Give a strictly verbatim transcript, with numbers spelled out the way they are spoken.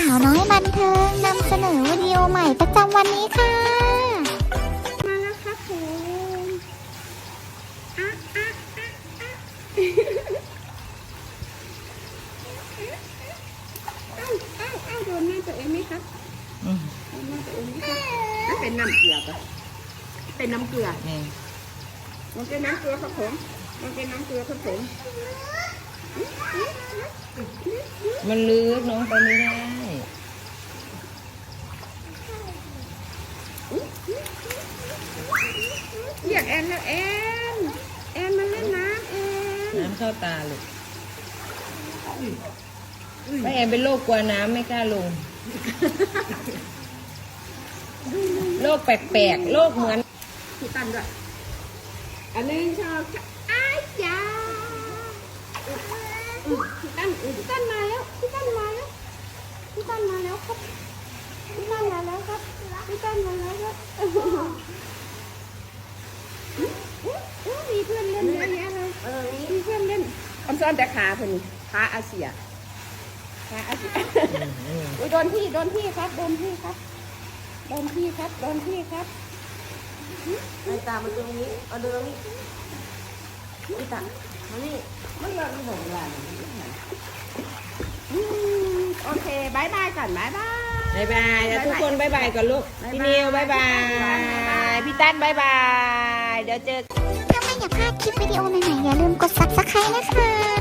าวน้อยบันเทิงนำเสนอวิดีโอใหม่ประจำวันนี้ค่ะมาแล้วครับผมอ่ะอ่ะอ่ะอ่ะเอ้าเอ้าเอ้าโดนหน้าตัวเองไหมครับโดนหน้าตัวเองไหมครับนั่นเป็นน้ำเกลือปะเป็นน้ำเกลือมันเป็นน้ำเกลือครับผมมันเป็นน้ำเกลือครับผมมันลึกน้องไปไม่ได้เรียกแอนแล้วแอนแอนมาเล่นน้ำแอนน้ำเข้าตาลูกแม่แอนเป็นโรคกลัวน้ำไม่กล้าลงโรคแปลกๆโรคเหมือนพี่ตั้นด้วยอันนึงชอบอ้ายจ้าพี่ตั้นพี่ตั้นมาแล้วพี่ตั้นมาแล้วพี่ตั้นมาแล้วครับพี่ตั้นมาแล้วครับพี่ตั้นมาแล้วครับมีเพื่อนเล่นเยอะแยะเลยมีเพื่อนเล่นอมซ้อนแต่ขาเพิ่นขาอาเซียขาอาเซียอุ้ยโดนพี่โดนพี่ครับโดนพี่ครับโดนพี่ครับโดนพี่ครับไอ้ตามันตรงนี้เอาดูตรงนี้ไอ้ตามานี่มันแบบมันหงหลานโอเคบายบายก่อนบายบายบายบายแล้วทุกคนบายบายก่อนลูกพี่นิวบายบายพี่ตั้นบายบายเดี๋ยวเจอถ้าไม่อยากพลาดคลิปวิดีโอใหม่ๆอย่าลืมกด ซับสไครบ์ นะคะ